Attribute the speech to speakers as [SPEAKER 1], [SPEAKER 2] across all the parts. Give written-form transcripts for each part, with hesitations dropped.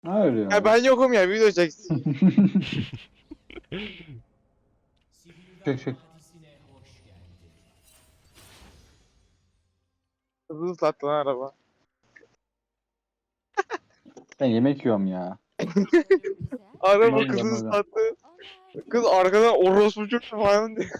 [SPEAKER 1] Hayır ya.
[SPEAKER 2] Ya ben yokum ya, video çeksin.
[SPEAKER 1] Çek çek.
[SPEAKER 2] Hızlı sattı lan araba.
[SPEAKER 1] Ben yemek yiyorum ya.
[SPEAKER 2] Araba
[SPEAKER 1] Tamam,
[SPEAKER 2] kızı
[SPEAKER 1] tamam.
[SPEAKER 2] sattı. Kız arkadan orospu çocuğu falan diyor.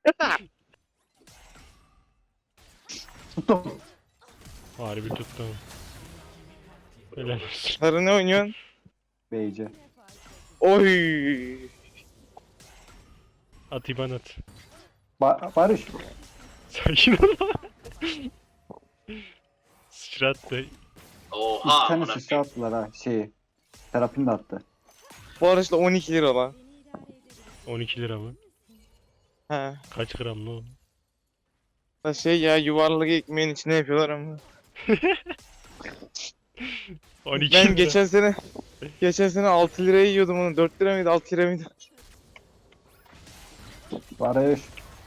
[SPEAKER 1] Tuttum.
[SPEAKER 3] Harbi tuttum. Helal olsun.
[SPEAKER 2] Sarı ne oynuyorsun?
[SPEAKER 1] Beyce.
[SPEAKER 2] Oy.
[SPEAKER 3] At İban at.
[SPEAKER 1] Barış.
[SPEAKER 3] Sakin ol. Sıçrattı.
[SPEAKER 1] İki
[SPEAKER 4] Oha
[SPEAKER 1] tane
[SPEAKER 4] amına
[SPEAKER 1] sıçra attılar ha. Terapini de attı.
[SPEAKER 2] Bu araçta 12 lira lan.
[SPEAKER 3] 12 lira mı?
[SPEAKER 2] He.
[SPEAKER 3] Kaç gram ne o?
[SPEAKER 2] Da şey ya, yuvarlak ekmeğin içine yapıyorlar ama.
[SPEAKER 3] 12
[SPEAKER 2] Ben
[SPEAKER 3] lira.
[SPEAKER 2] geçen sene 6 liraya yiyordum onu. 4 lira mıydı 6 lira mıydı?
[SPEAKER 1] Barış.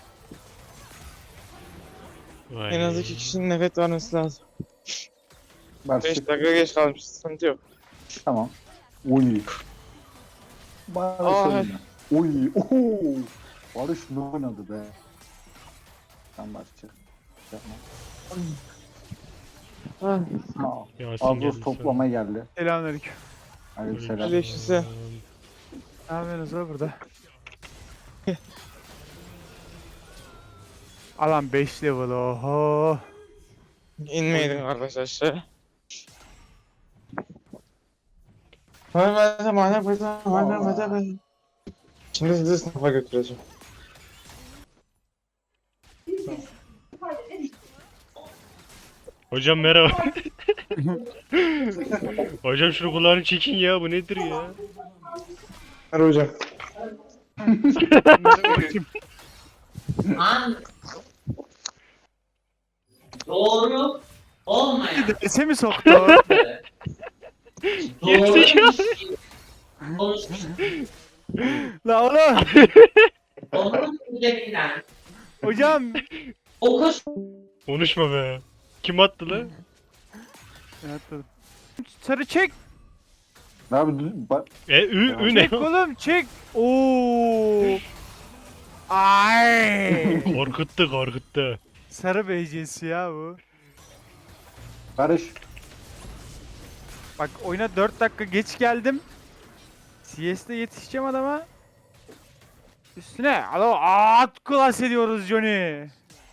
[SPEAKER 3] Vay.
[SPEAKER 2] En az 2 kişinin nefes vermesi lazım.
[SPEAKER 1] Barış.
[SPEAKER 2] 5 dakika geç kalmış, sıkıntı yok.
[SPEAKER 1] Tamam. Uy. Barış
[SPEAKER 2] Ay.
[SPEAKER 1] oyna. Uy. Oho. Barış ne oynadı be. Sen Barış çık. Yapma. Ha.
[SPEAKER 3] Yasin
[SPEAKER 1] Avuz
[SPEAKER 3] geldi
[SPEAKER 1] toplama geldi.
[SPEAKER 5] Selamünaleyküm.
[SPEAKER 1] Aleykümselam.
[SPEAKER 2] Aleykümselam.
[SPEAKER 5] Ne yapıyorsunuz lan burada? Alan 5 level oho.
[SPEAKER 2] İnmeyelim kardeş aşağı. Hadi. Şimdi sizi sınıfa götüreceğim.
[SPEAKER 3] Hocam merhaba. Hocam şunu kulağını çekin ya, bu nedir ya?
[SPEAKER 2] Hadi hocam.
[SPEAKER 4] An doğru olmayan
[SPEAKER 5] Dese mi soktu?
[SPEAKER 4] doğru
[SPEAKER 3] Gerizekalı.
[SPEAKER 4] konuşmuş
[SPEAKER 5] La oğlum.
[SPEAKER 4] onun üzerinden
[SPEAKER 5] Hocam.
[SPEAKER 4] okus
[SPEAKER 3] Konuşma be. Kim attı lan?
[SPEAKER 5] Sarı çek.
[SPEAKER 1] Abi
[SPEAKER 3] Ü ne?
[SPEAKER 5] Çek oğlum çek. Oo. Ay.
[SPEAKER 3] Korkuttu.
[SPEAKER 5] Sarı BC'si ya bu.
[SPEAKER 1] Barış.
[SPEAKER 5] Bak oyuna 4 dakika geç geldim. CS'de yetişeceğim adama. Üstüne alo at klas ediyoruz Johnny.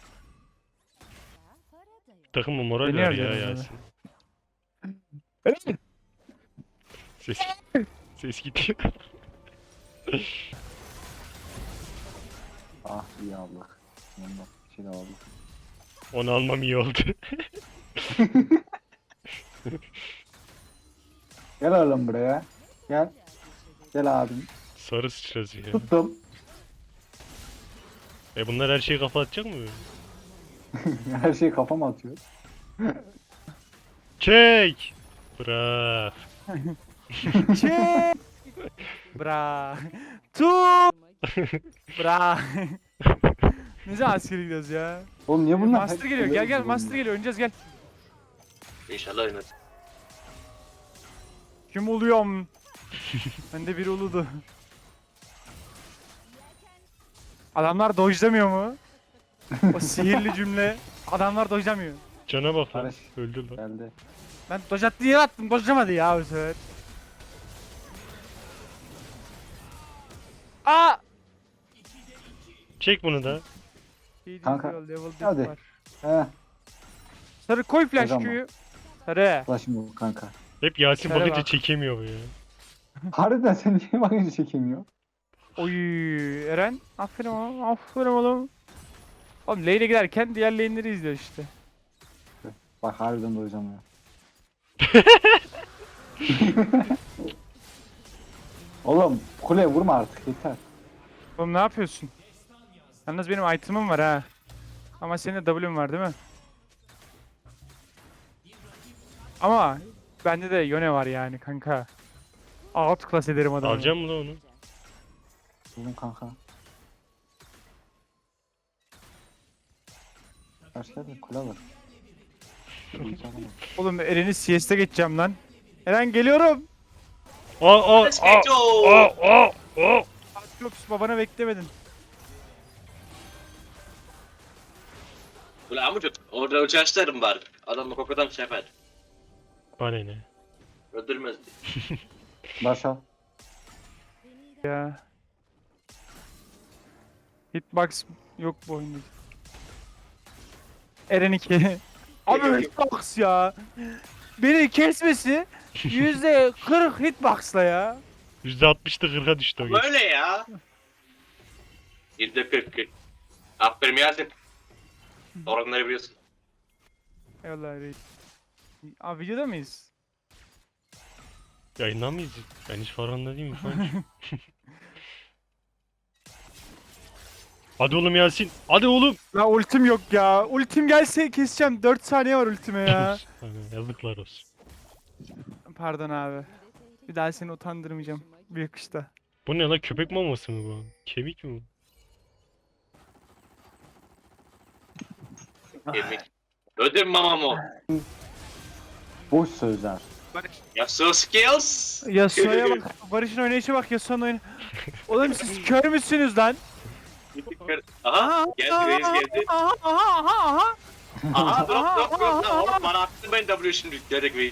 [SPEAKER 3] Takımı moral
[SPEAKER 5] Beni
[SPEAKER 3] ver ya
[SPEAKER 5] arıyorsun
[SPEAKER 3] Yasin. Ses, ses gidiyor.
[SPEAKER 1] Ah iyi aldık. Yanında bir şey de aldık.
[SPEAKER 3] Onu almam iyi oldu.
[SPEAKER 1] Gel oğlum buraya. Gel. Gel abim.
[SPEAKER 3] Sarı sıçrası ya.
[SPEAKER 1] Tuttum.
[SPEAKER 3] Bunlar her şeyi kafa atacak mı?
[SPEAKER 1] Her şeyi kafama atıyor.
[SPEAKER 3] Çek! Bırak.
[SPEAKER 5] Çek. Bra. Tu. Bra. Ne zaman askere gidiyoruz ya?
[SPEAKER 1] Oğlum niye bunlar?
[SPEAKER 5] Master geliyor. Gel Master geliyor. Oynayacağız gel.
[SPEAKER 4] İnşallah oynadı.
[SPEAKER 5] Kim oluyorum? Ben de biri uludu. Adamlar dojlamıyor mu? O sihirli cümle. Adamlar dojlamıyor.
[SPEAKER 3] Cana bak lan.
[SPEAKER 1] Barış.
[SPEAKER 3] Öldü lan.
[SPEAKER 1] Geldi.
[SPEAKER 5] Ben doj attı yere attım. Dojlamadı ya bu sefer. Aa!
[SPEAKER 3] Çek bunu da.
[SPEAKER 1] Kanka,
[SPEAKER 5] Level dip
[SPEAKER 1] hadi.
[SPEAKER 5] var.
[SPEAKER 1] He.
[SPEAKER 5] Sarı koy flash
[SPEAKER 1] Hocam
[SPEAKER 5] Q'yu. Sarı.
[SPEAKER 1] Ulaşım bu kanka.
[SPEAKER 3] Hep Yasin
[SPEAKER 5] Şöyle
[SPEAKER 3] bakınca
[SPEAKER 5] bak.
[SPEAKER 3] çekemiyor bu ya.
[SPEAKER 1] Harbiden sen niye bakınca çekemiyor?
[SPEAKER 5] Oy Eren. Aferin oğlum. Aferin oğlum. Oğlum lane'e giderken diğer lane'leri izliyor işte.
[SPEAKER 1] Bak harbiden doyacağım ya. Oğlum kuleye vurma artık yeter.
[SPEAKER 5] Oğlum ne yapıyorsun? Yalnız benim item'ım var ha. Ama senin de W'un var değil mi? Ama bende de Yone var yani kanka. Out class ederim adamı.
[SPEAKER 3] Alacağım mı lan onu?
[SPEAKER 1] Buldum kanka. Karşıda bir kule var.
[SPEAKER 5] Oğlum Eren'i CS'de geçeceğim lan. Eren geliyorum.
[SPEAKER 3] Aa.
[SPEAKER 5] Aatrox babana beklemedin.
[SPEAKER 4] Ulan amcuk orada uçaşlarım var. Adamla kokudan şey yapar.
[SPEAKER 3] Bana ne?
[SPEAKER 4] Öldürmezdi.
[SPEAKER 1] Başa.
[SPEAKER 5] Ya. Hitbox yok bu oyunda. Eren 2. Abi hitbox ya. Beni kesmesi %40 hitbox'la ya.
[SPEAKER 3] %60'da 40'a düştü o
[SPEAKER 4] Ama
[SPEAKER 3] geç.
[SPEAKER 4] öyle ya. %40. Aferin Yasin. Oranları biliyorsun.
[SPEAKER 5] Eyvallah reis. Abi videoda mıyız?
[SPEAKER 3] Yayından mıyız? Ben hiç farkında değilim şu an. Hadi oğlum Yasin. Hadi oğlum.
[SPEAKER 5] La ultim yok ya. Ultim gelse keseceğim. 4 saniye var ultime ya.
[SPEAKER 3] Hani yazıklar olsun.
[SPEAKER 5] Pardon abi. Bir daha seni utandırmayacağım. Bir yakışta.
[SPEAKER 3] Bu ne lan, köpek maması mı bu? Kemik mi bu?
[SPEAKER 4] Kemik. Öldürme mamam o.
[SPEAKER 1] Boş sözler.
[SPEAKER 4] Yasuo skills.
[SPEAKER 5] Yasuo'ya bak. Barış'ın oynayışa bak. Yasuo'nun oynayışı. Oğlum siz kör müsünüz lan?
[SPEAKER 4] Aha. Geldi reis geldi.
[SPEAKER 5] Aha.
[SPEAKER 4] Aha drop. Oğlum bana attın ben W şimdi. Gerek reis.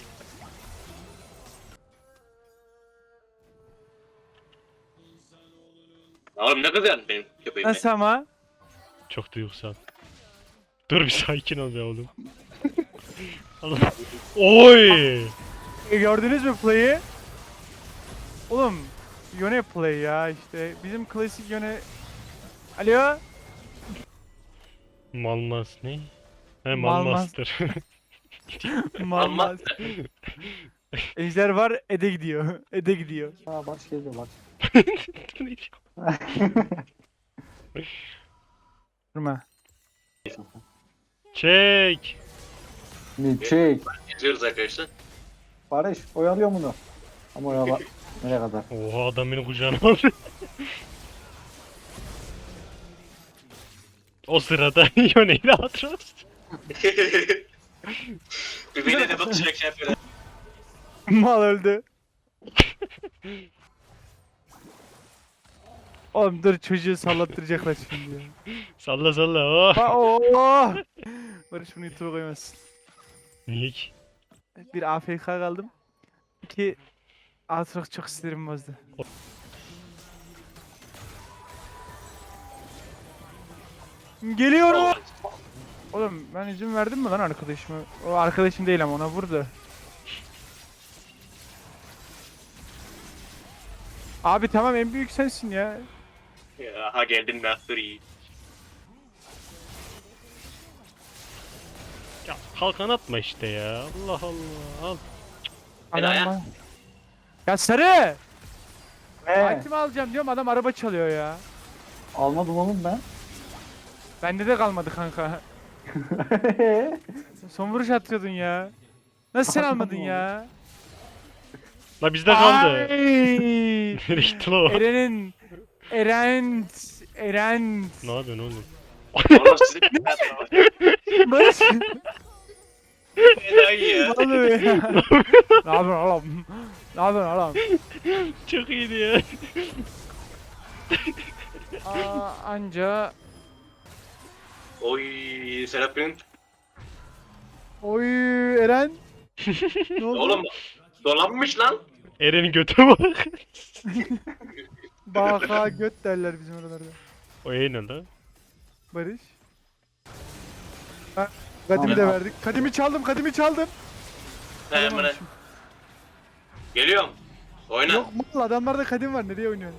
[SPEAKER 4] Oğlum ne kızıyorsun benim köpeğimle?
[SPEAKER 5] Nasıl ama?
[SPEAKER 3] Çok duygusal. Dur bir sakin ol be oğlum. Allah. Oy!
[SPEAKER 5] Gördünüz mü play'i? Oğlum Yone play ya işte. Bizim klasik Yone... Alo?
[SPEAKER 3] Malmas ne? He
[SPEAKER 5] Malmas.
[SPEAKER 3] Malmaster.
[SPEAKER 5] Malmaz. Ejder var, Ede gidiyor. Ede gidiyor.
[SPEAKER 1] Aa baş geliyor bak.
[SPEAKER 3] Bu ne diyor?
[SPEAKER 5] Durma.
[SPEAKER 3] Çek.
[SPEAKER 1] Milkshake.
[SPEAKER 4] Geziyoruz arkadaşlar.
[SPEAKER 1] Barış oyalıyor bunu. Ama oyala. Nereye kadar?
[SPEAKER 3] Oha, adam beni kucağına aldı. O sırada Yone'yle Atros.
[SPEAKER 4] Birbirine de bakışarak şey yapıyorlar.
[SPEAKER 5] Mal öldü. Oğlum dur çocuğu sallattıracaklar şimdi ya.
[SPEAKER 3] Salla salla. Oh.
[SPEAKER 5] Ha ooo. Barış bunu YouTube'a koymazsın.
[SPEAKER 3] Niye ki?
[SPEAKER 5] Bir AFK kaldım. İki Aatrox çok sinirimi bozdu. Geliyorum. Oğlum ben izin verdim mi lan arkadaşıma? O arkadaşım değil ama ona vurdu. Abi tamam en büyük sensin ya.
[SPEAKER 4] Aha geldin Master Yi.
[SPEAKER 3] Ya kalkan atma işte ya. Allah Allah. Al.
[SPEAKER 4] Helal ya.
[SPEAKER 5] Adam ya sarı!
[SPEAKER 1] He.
[SPEAKER 5] Item alacağım diyorum adam araba çalıyor ya.
[SPEAKER 1] Almadım oğlum ben.
[SPEAKER 5] Bende de kalmadı kanka. Son vuruş atıyordun ya. Nasıl sen almadın ya?
[SPEAKER 3] La bizde kaldı.
[SPEAKER 5] Ay!
[SPEAKER 3] Nereye gitti lan o?
[SPEAKER 5] Eren.
[SPEAKER 3] Ne yapıyorsun oğlum?
[SPEAKER 4] Oğlum sizin
[SPEAKER 5] Barış.
[SPEAKER 4] enayi ya.
[SPEAKER 5] Ne oluyor ya? Ne yapıyorsun oğlum? Ne yapıyorsun oğlum?
[SPEAKER 3] Çok iyiydi ya.
[SPEAKER 5] Anca.
[SPEAKER 4] Oy Serap'ın.
[SPEAKER 5] Oy Eren. Ne oldu?
[SPEAKER 4] Oğlum dolanmış lan.
[SPEAKER 3] Eren'in götü bak.
[SPEAKER 5] Baka göt derler bizim oralarda.
[SPEAKER 3] O ne lan?
[SPEAKER 5] Barış. Ha, Kadimi de verdik. Kadimi çaldım.
[SPEAKER 4] Hemen
[SPEAKER 5] Alamamışım.
[SPEAKER 4] geliyorum. Oyna.
[SPEAKER 5] Yok mal adamlarda kadim var. Nereye oynuyorsun?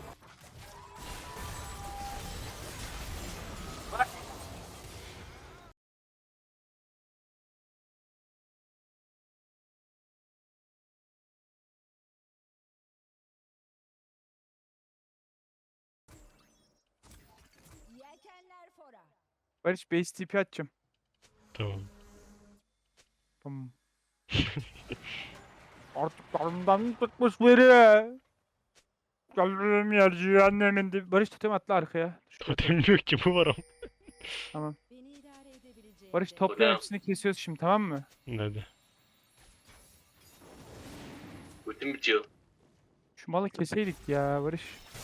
[SPEAKER 6] Yelkenler fora.
[SPEAKER 5] Barış base TP atacağım.
[SPEAKER 3] Tamam.
[SPEAKER 5] Tamam. Artık karnımdan tutmuş biri. Gelirim yerci annemin dibi. Barış totem atla arkaya.
[SPEAKER 3] Totem yok ki, bu var ama.
[SPEAKER 5] Tamam.
[SPEAKER 6] Beni idare edebileceğin
[SPEAKER 5] Barış
[SPEAKER 6] tek-
[SPEAKER 5] topla hepsini kesiyoruz şimdi tamam mı?
[SPEAKER 3] Nerede?
[SPEAKER 4] Ultim bitiyor.
[SPEAKER 5] Şu malı keseydik ya Barış.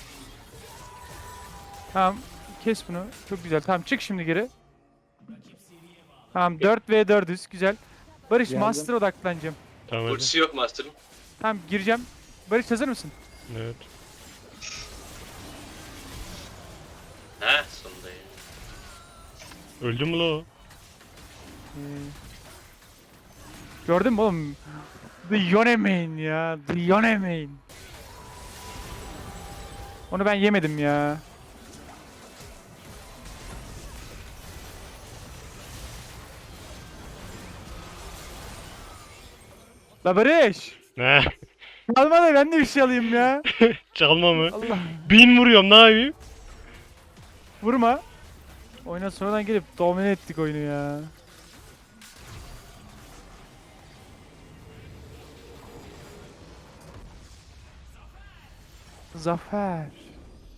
[SPEAKER 5] Tamam. Kes bunu. Çok güzel. Tamam çık şimdi geri. Tamam 4v4'üz. Güzel. Barış
[SPEAKER 1] Geldim.
[SPEAKER 5] Master odaklanacağım.
[SPEAKER 3] Tamam hadi.
[SPEAKER 4] Ultisi yok Master'ın.
[SPEAKER 5] Tamam gireceğim. Barış hazır mısın?
[SPEAKER 3] Evet.
[SPEAKER 4] He sonunda ya.
[SPEAKER 3] Öldü mü la o?
[SPEAKER 5] Gördün mü oğlum? The Yone main ya. The Yone main. Onu ben yemedim ya. La Barış.
[SPEAKER 3] Ne?
[SPEAKER 5] Alma da ben de bir şey alayım ya.
[SPEAKER 3] Çalma mı?
[SPEAKER 5] Allah.
[SPEAKER 3] 1000 vuruyorum ne yapayım?
[SPEAKER 5] Vurma. Oyuna sonradan gelip domine ettik oyunu ya. Zafer.